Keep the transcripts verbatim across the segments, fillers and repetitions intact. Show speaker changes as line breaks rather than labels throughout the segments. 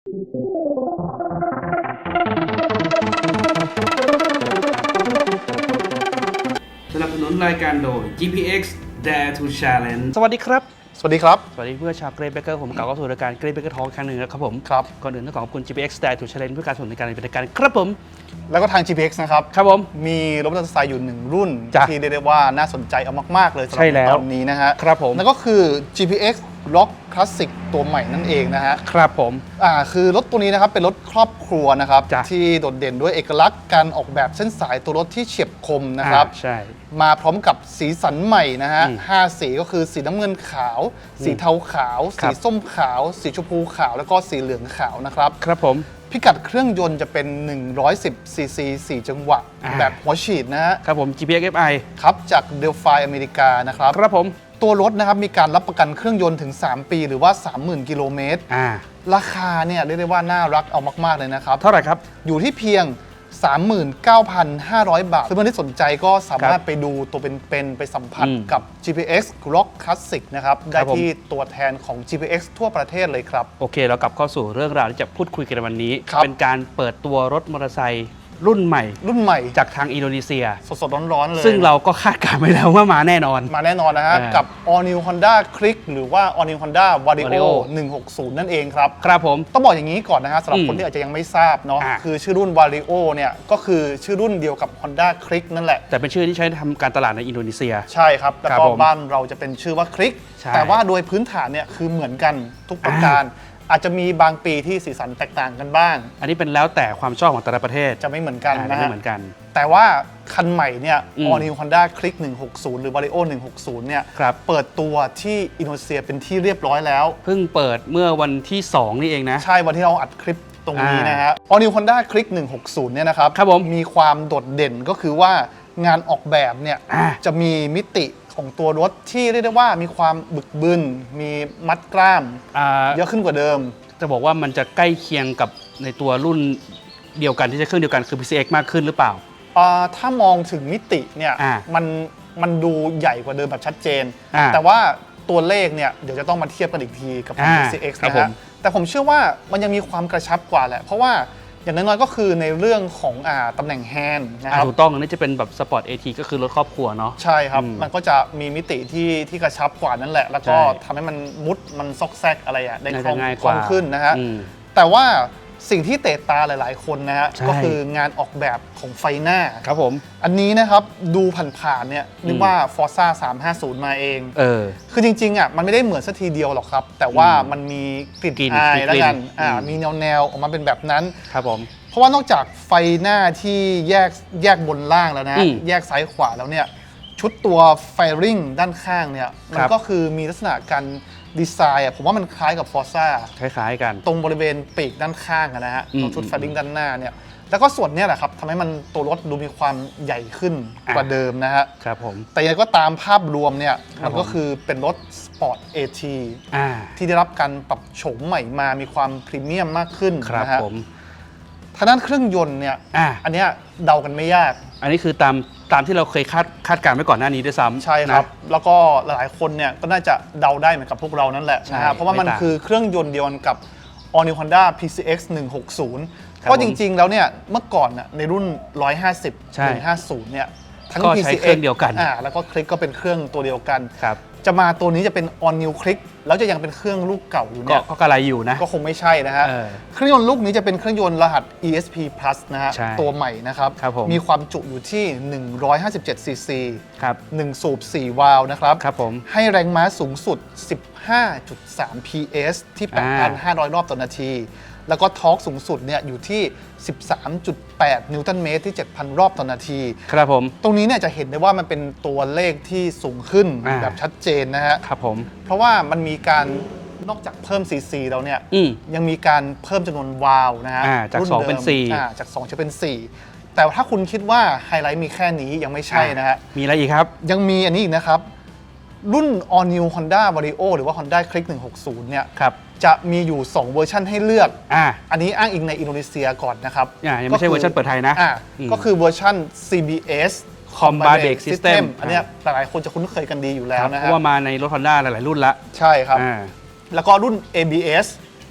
สนับสนุนรายการโดย จี พี เอ็กซ์ Dare to Challenge
สวัสดีครับ
สวัสดีครับ
สวัสดีเพื่อนชาวเกรดเบเกอร์ผมกล่าวเข้าสู่รายการเกรดเบเกอร์ทอล์กครั้งหนึ่งนะครับผม
ครับ
ก่อนอื่นต้องขอบคุณ จี พี เอ็กซ์ Dare to Challenge เพื่อการสนับสนุนในการดำเนินรายการครับผม
แล้วก็ทาง จี พี เอ็กซ์ นะครับ
ครับผม
มีรถมอเตอร์ไซค์อยู่หนึ่งรุ่น
จ้ะ
ที่เรียกได้ว่าน่าสนใจเอามากๆเลยสำห
ใช่
รับ
แล้ว
ตอนนี้นะฮะ
ครับผม
นั่นก็คือ จี พี เอ็กซ์ Rock Classic ตัวใหม่นั่นเองนะฮะ
ครับผม
อ่าคือรถตัวนี้นะครับเป็นรถครอบครัวนะครับ
จ้ะ
ที่โดดเด่นด้วยเอกลักษณ์การออกแบบเส้นสายตัวรถที่เฉียบคมนะครับ
อ่าใช่
มาพร้อมกับสีสันใหม่นะฮะ
อืม
ห้าสีก็คือสีน้ำเงินขาว สีเทาขาว
ครั
สี
บ
ส้มขาว สีชมพูขาว แล้วก็สีเหลืองขาวนะครับ
ครับผม
พิกัดเครื่องยนต์จะเป็น หนึ่งร้อยสิบ ซี ซี สี่ จังหวะ
อ่า
แบบหัวฉีดนะฮะ
ครับผม จี พี เอ็กซ์ เอฟ ไอ
ครับจากเดลฟายอเมริกานะครับ
ครับผม
ตัวรถนะครับมีการรับประกันเครื่องยนต์ถึง สาม ปีหรือว่า สามหมื่น กิโลเมตร
อ่า
ราคาเนี่ยเรียกได้ว่าน่ารักเอามาก ๆ เลยนะครับ
เท่าไหร่ครับ
อยู่ที่เพียง สามหมื่นเก้าพันห้าร้อย บาทเพื่อนๆที่สนใจก็สามารถไปดูตัวเป็นๆไปสัมผัส
อืม
กับ จี พี เอ็กซ์ Rock Classic นะครับ
ค
ได้
รับผม
ที่ตัวแทนของ จี พี เอ็กซ์ ทั่วประเทศเลยครับ
โอเคเรากลับเข้าสู่เรื่องราวที่จะพูดคุยกันในวันนี้
ครับ
เป็นการเปิดตัวรถมอเตอร์ไซค์รุ่นใหม่
รุ่นใหม่
จากทางอินโดนีเซีย
สดๆร้อนๆเลย
ซึ่งเราก็คาดการณ์ไว้แล้วว่ามาแน่นอน
มาแน่นอนนะฮะ
อ่า
กับ All New Honda Click หรือว่า All New Honda Vario
Vario
หนึ่งหกศูนย์ นั่นเองครับ
ครับผม
ต้องบอกอย่างนี้ก่อนนะฮะสำหรับ
อืม
คนที่อาจจะยังไม่ทราบเนาะ
อ่า
คือชื่อรุ่น Vario เนี่ยก็คือชื่อรุ่นเดียวกับ Honda Click นั่นแหละ
แต่เป็นชื่อที่ใช้ทำการตลาดในอินโดนีเซีย
ใช่ครับ แล้ว
ครับ
ก็
ผม
บ้านเราจะเป็นชื่อว่า Click
ใช่
แต่ว่าโดยพื้นฐานเนี่ยคือเหมือนกันทุกประการ อาจจะมีบางปีที่สีสันแตกต่างกันบ้าง
อันนี้เป็นแล้วแต่ความชอบของแต่ละประเทศ
จะไม่เหมือนกัน
อ่า
นะ
ไม่
ฮะ
เหมือนกัน
แต่ว่าคันใหม่เนี่ย
อืม
All New Honda Click หนึ่งหกศูนย์ หรือ Vario หนึ่งหกศูนย์ เนี่ย
ครับ
เปิดตัวที่อินโดนีเซียเป็นที่เรียบร้อยแล้ว
เพิ่งเปิดเมื่อวันที่ สอง นี่เองนะ
ใช่วันที่เราอัดคลิปตรงนี้
อ่าน
นะฮะ All New Honda Click หนึ่งหกศูนย์ เนี่ยนะครับ
ครับผม
มีความโดดเด่นก็คือว่างานออกแบบเนี่ย
อ่า
จะมีมิติของตัวรถที่เรียกได้ว่ามีความบึกบึน มีมัดกล้าม
อ่า
เยอะขึ้นกว่าเดิม
จะบอกว่ามันจะใกล้เคียงกับในตัวรุ่นเดียวกันที่จะเครื่องเดียวกันคือ พี ซี เอ็กซ์ มากขึ้นหรือเปล่า
อ่าถ้ามองถึงมิติเนี่ย
อ่า
มันมันดูใหญ่กว่าเดิมแบบชัดเจน
อ่า
แต่ว่าตัวเลขเนี่ยเดี๋ยวจะต้องมาเทียบกันอีกทีกับ
อ่า
พี ซี เอ็กซ์
ครับ
นะ
ผ
ฮะ
ม
แต่ผมเชื่อว่ามันยังมีความกระชับกว่าแหละ เพราะว่าอย่างน้อยๆก็คือในเรื่องของอ่าตำแหน่งแฮนด์นะค
อ่า
รับ
ถูกต้องอันนี้จะเป็นแบบสปอร์ต เอ ที ก็คือรถครอบครัวเนาะ
ใช่ครับ
อืม
มันก็จะมีมิติที่ที่กระชับกว่านั่นแหละ แล้วก็
ใช่
ทำให้มันมุดมันซอกแซกอะไรอะได้
น่า
คล่
จะ
อง
ง่าย
ค
ก
ล่อ
ว่าง
ขึ้นนะฮะ
อืม
แต่ว่าสิ่งที่เตะตาหลายๆคนนะฮะ
ใช่
ก็คืองานออกแบบของไฟหน้า
ครับผม
อันนี้นะครับดูผ่านๆเนี่ยนึกว่า Forza สามห้าศูนย์มาเอง
เออ
คือจริงๆอ่ะมันไม่ได้เหมือนสักทีเดียวหรอกครับ แต่ว่ามันมีกลิ่น
กลิ่น
อาย
มีกลิ่น
แล้วกันอ่า
อืม
มีแนวๆออกมาเป็นแบบนั้น
ครับผม
เพราะว่านอกจากไฟหน้าที่แยกแยกบนล่างแล้วนะ
อืม
แยกซ้ายขวาแล้วเนี่ยชุดตัวไฟริงด้านข้างเนี่ยมั
คน รับ
ก็คือมีลักษณะการดีไซน์อ่ะผมว่ามันคล้ายกับ Forza
คล้ายๆกัน
ตรงบริเวณปีกด้านข้างอะนะฮะ
อืม
ตรงชุดไฟริงด้านหน้าเนี่ยแล้วก็ส่วนเนี้ยแหละครับทำให้มันตัวรถดูมีความใหญ่ขึ้น
อ่ะ
กว่าเดิมนะฮะ
ครับผม
แต่ยังไงก็ตามภาพรวมเนี่ย
ครับ
มันก็
ผม
คือเป็นรถสปอร์ต เอ ที
อ่า
ที่ได้รับการปรับโฉมใหม่มามีความพรีเมียมมากขึ้น
ครับ
นะฮะ
ผม
ทางด้านเครื่องยนต์เนี่ย
อ่า
อันเนี้ยเดากันไม่ยาก
อันนี้คือตามตามที่เราเคยคาดคาดการณ์ไว้ก่อนหน้านี้ด้วยซ้ำ
ใช่ครับ
นะ
แล้วก็หลายๆคนเนี่ยก็น่าจะเดาได้เหมือนกับพวกเรานั่นแหละ
ใช่
นะฮะเพราะว่ามัน
ไม่ต่าง
คือเครื่องยนต์เดียวกันกับ All New Honda พี ซี เอ็กซ์ หนึ่งหกศูนย์
ครับ
เพราะจริงๆแล้วเนี่ยเมื่อก่อนน่ะในรุ่น หนึ่งร้อยห้าสิบ
ใช่
หนึ่งห้าศูนย์เนี่ยทั้ง
ก็
พี
ใช้
ซี
เครื่องเดียวกัน
อ่าแล้วก็คลิกก็เป็นเครื่องตัวเดียวกัน
ครับ
จะมาตัวนี้จะเป็น All New Click แล้วจะยังเป็นเครื่องลูกเก่าอยู่
ก็
เนี่ย
ก็กระไรอยู่นะ
ก็คงไม่ใช่นะฮะ
เออ
เครื่องยนต์ลูกนี้จะเป็นเครื่องยนต์รหัส อี เอส พี Plus นะฮะ
ใช่
ตัวใหม่นะครับ
ครับผม
มีความจุอยู่ที่ หนึ่งร้อยห้าสิบเจ็ด ซี ซี
ครับ
หนึ่งสูบ สี่ วาล์วนะครับ
ครับผม
ให้แรงม้าสูงสุด สิบห้าจุดสาม พี เอส ที่ แปดพันห้าร้อย รอบต่อนาที แล้วก็ทอร์กสูงสุดเนี่ยอยู่ที่ สิบสามจุดแปด นิวตันเมตรที่ เจ็ดพัน รอบต่อนาที
ครับผม
ตรงนี้เนี่ยจะเห็นได้ว่ามันเป็นตัวเลขที่สูงขึ้น
อ่า
แบบชัดเจนนะฮะ
ครับผม
เพราะว่ามันมีการนอกจากเพิ่ม ซี ซี แล้วเนี่ย
อืม
ยังมีการเพิ่มจำนวนวาล์วนะฮะ
อ่าจาก
รุ่
สอง
ดิม
เป็นสี่
อ่าจากสองจะเป็นสี่แต่ถ้าคุณคิดว่าไฮไลท์มีแค่นี้ยังไม่ใช่นะฮะ
มีอะไรอีกครับ
ยังมีอันนี้อีกนะครับ รุ่น All New Honda Vario หรือว่า Honda Click หนึ่งหกศูนย์เนี่ย
ครับ
จะมีอยู่ สอง เวอร์ชันให้เลือก
อ่า
อันนี้อ้างอิงในอินโดนีเซียก่อนนะครับ
อ่ายังไม่ใช่เวอร์ชันเปิดไทยนะ
อ่า
อืม
ก็คือเวอร์ชัน ซี บี เอส
Combat Brake System
อันเนี้ยหลายๆคนจะคุ้นเคยกันดีอยู่แล้ว
เพ
นะฮะ
ราะว่ามาในรถ Honda หลาย ๆ รุ่นละ
ใช่ครับ
อ่า
แล้วก็รุ่น เอ บี เอส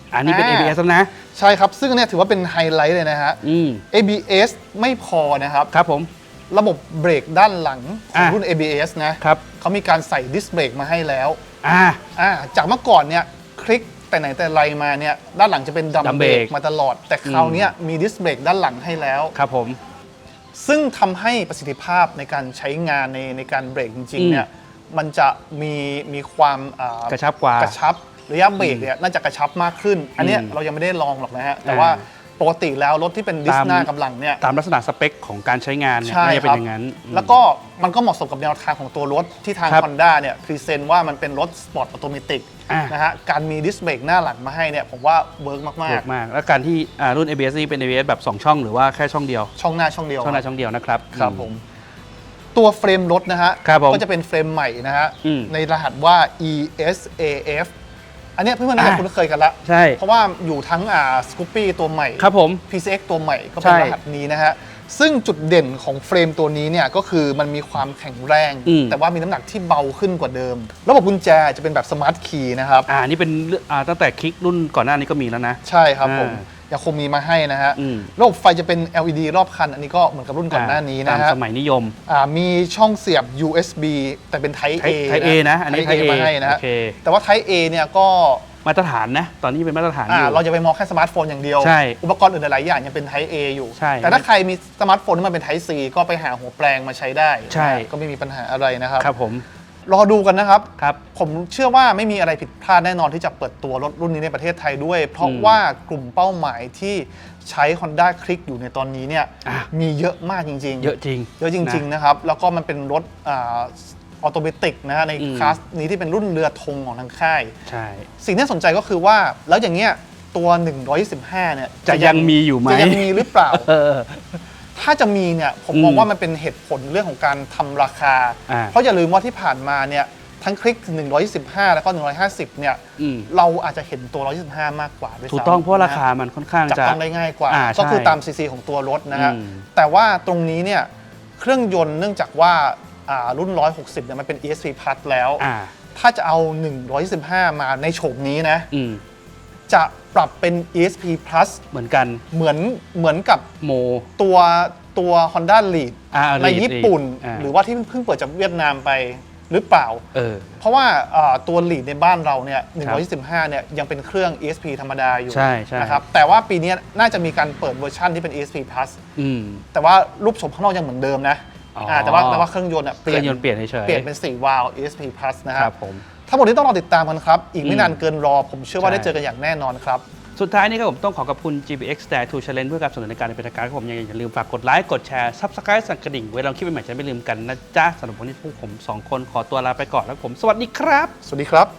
อันนี้เป็น เอ บี เอส แล้วนะ
ใช่ครับ ซึ่งเนี่ยถือว่าเป็นไฮไลท์เลยนะฮะ
อืม
เอ บี เอส ไม่พอนะครับ
ครับผม
ระบบเบรกด้านหลังของ
อ่ะ
รุ่น เอ บี เอส นะครับ เขามีการใส่ดิสเบรกมาให้แล้ว
อ่า
อ่าจากเมื่อก่อนเนี่ยคลิกแต่ไหนแต่ไรมาเนี่ยด้านหลังจะเป็นดัม
ดัม
เบ
เบ
ร
ร
ก
ก
มาตลอด แต่คราวเนี้ยมีดิสเบรกด้านหลังให้แล้ว
ครับผม
ซึ่งทำให้ประสิทธิภาพในการใช้งานในในการเบรกจริง
อื
ๆ
ม
เนี่ยมันจะมีมีความอ่าก
ระชับกว่า
กระชับระยะเบรกเนี่ยน่าจะกระชับมากขึ้น อันเนี้ย
อืม
เรายังไม่ได้ลองหรอกนะฮะ แต่ว่าปกติแล้วรถที่เป็นดิส
ตาม
หน้ากำลังเนี่ย
ตามลักษณะสเปคของการใช้งานเนี่ย
ใช่
น่าจะเป็
คน รับ
อย่างนั้นอืม
แล้วก็มันก็เหมาะสมกับแนวทางของตัวรถที่ทาง
ครับ
Honda เนี่ยพรีเซนต์ว่ามันเป็นรถสปอร์ตออโตเมติก
อ่ะ
นะฮะการมีดิสเบรกหน้าหลังมาให้เนี่ยผมว่าเวิร์กมาก
ถูกมาก แล้วการที่อ่ารุ่น เอ บี เอส นี่เป็น เอ บี เอส แบบ สอง ช่องหรือว่าแค่ช่องเดียว
ๆ ช่องหน้าช่องเดียว
ช่องหน้าช่องเดียวนะครับ
ครับ
อื
ผม ตัวเฟรมรถนะฮะ
ครับผม
ก็จะเป็นเฟรมใหม่นะฮะ
อืม
ในรหัสว่า อี เอส เอ เอฟ อันเนี้ยเพื่อนๆน่าจะ
อ่ะ
คุ้นเคยกันละ
ใช่
เพราะว่าอยู่ทั้งอ่าสกูปปี้ตัวใหม่
ครับผม
พี ซี เอ็กซ์ ตัวใหม่ก็เป็น
ใช่
รหัสนี้นะฮะ ซึ่งจุดเด่นของเฟรมตัวนี้เนี่ยก็คือมันมีความแข็งแรง
อืม
แต่ว่ามีน้ำหนักที่เบาขึ้นกว่าเดิม ระบบกุญแจจะเป็นแบบสมาร์ทคีย์นะครับ
อ่านี่เป็นเรื่องอ่าตั้งแต่คลิกรุ่นก่อนหน้านี้ก็มีแล้วนะ
ใช่ครับผม
อ่า
ยังคงมีมาให้นะฮะ
อืม
ระบบไฟจะเป็น แอล อี ดี รอบคัน อันนี้ก็เหมือนกับรุ่นก่อนหน้านี้
ตา
นะ
ม
ฮะ
สมัยนิยม
อ่ามีช่องเสียบ ยู เอส บี แต่เป็น Type A
Type A นะอันนี้
Type
Type A
มาให้นะฮะ
โอเค
แต่ว่า Type A เนี่ยก็
มาตรฐานนะ ตอนนี้เป็นมาตรฐานอ
อ่า
ยู่
เราจะไปมองแค่สมาร์ทโฟนอย่างเดียว
ใช่
อุปกรณ์อื่นหลายๆอย่างยังเป็น Type A อยู่
ใช่
แต่ถ้าใครมีสมาร์ทโฟนที่มันเป็น Type C ก็ไปหาหัวแปลงมาใช้ได้
ใช่
นะก็ไม่มีปัญหาอะไรนะครับ
ครับผม
รอดูกันนะครับ
ครับ
ผมเชื่อว่าไม่มีอะไรผิดพลาดแน่นอนที่จะเปิดตัวรถรุ่นนี้ในประเทศไทยด้วย เพราะ
อืม
ว่ากลุ่มเป้าหมายที่ใช้ Honda Click อยู่ในตอนนี้เนี่ย
อ่ะ
มีเยอะมากจริงๆ
เยอะจริง
เยอะจริง ๆ นะครับ แล้วก็มันเป็นรถอ่าออโตเมติกนะฮะใน
อืม
คลาสนี้ที่เป็นรุ่นเรือธงของทางค่าย
ใช่
สิ่งที่น่าสนใจก็คือว่าแล้วอย่างเงี้ยตัว หนึ่งร้อยยี่สิบห้า เนี่ย
จะยังมีอยู่ไหม
จะยังมีหรือเปล่า
เออ
ถ้าจะมีเนี่ยผม
อืม
มองว่ามันเป็นเหตุผลเรื่องของการทำราคา
อ่า
เพราะอย่าลืมว่าที่ผ่านมาเนี่ยทั้งคลิก หนึ่งร้อยยี่สิบห้า แล้วก็ หนึ่งร้อยห้าสิบ เนี่ย
อืม
เราอาจจะเห็นตัว หนึ่งร้อยยี่สิบห้า มากกว่าด้วยซ้ำ
ถูกต้องเพราะว่าราคา
นะ
มันค่อนข้าง
จับ
จะ
ต้องได้ง่ายกว่า
อ่า
ก็คือ
ใช่
ตามซีซีของตัวรถนะฮะ
อืม
แต่ว่าตรงนี้เนี่ยเครื่องยนต์เนื่องจากว่าอ่ารุ่น หนึ่งร้อยหกสิบ เนี่ยมันเป็น อี เอส พี Plus แล้ว
อ่า
ถ้าจะเอา หนึ่งร้อยยี่สิบห้า มาในโฉมนี้นะ
อืม
จะปรับเป็น อี เอส พี Plus
เหมือนกัน
เหมือนเหมือนกับ
โม
ตัวตัว Honda Lead
อ่า
ใน
Lead
ญี่ปุ่น
อ่า
หรือว่าที่เพิ่งเปิดจากเวียดนามไปหรือเปล่า
เออ
เพราะว่าอ่าตัว Lead ในบ้านเราเนี่ย หนึ่งร้อยยี่สิบห้า เนี่ยยังเป็นเครื่อง อี เอส พี ธรรมดาอยู่
ใช่ใช่
นะครับแต่ว่าปีนี้น่าจะมีการเปิดเวอร์ชันที่เป็น อี เอส พี Plus
อืม
แต่ว่ารูปโฉมข้างนอกยังเหมือนเดิมนะ
อ๋ออ่
าแต่ว่าแต่ว่าเครื่องยนต์อะ
เครื่องยนต์เปลี่ยนเฉยๆ
เปลี่ยนเป็นสี่วาล์ว อี เอส พี Plus นะค
ค
รั
รั
บบ
ผม
ทั้งหมดนี้ต้องรอติดตามกันครับ อีกไม่
อืม
นานเกินรอ ผมเชื่อว่า
ใช่
ได้เจอกันอย่างแน่นอนครับ
สุดท้ายนี้ครับผมต้องขอขอบคุณ จี พี เอ็กซ์ Dare to Challenge เพื่อการสนับสนุนในการเป็นทางการครับผมยังอย่าลืมฝากกดไลค์กดแชร์ Subscribe สั่นกระดิ่งเวลาเราคลิปใหม่ๆจะไม่ลืมกันนะจ๊ะสำหรับวันนี้พวกผมสองคนขอตัวลาไปก่อนแล้วผมสวัสดีครับ
สวัสดีครับ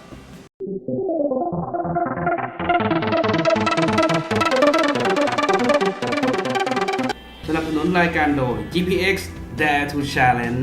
สนับสนุนรายการโดย จี พี เอ็กซ์ Dare to Challenge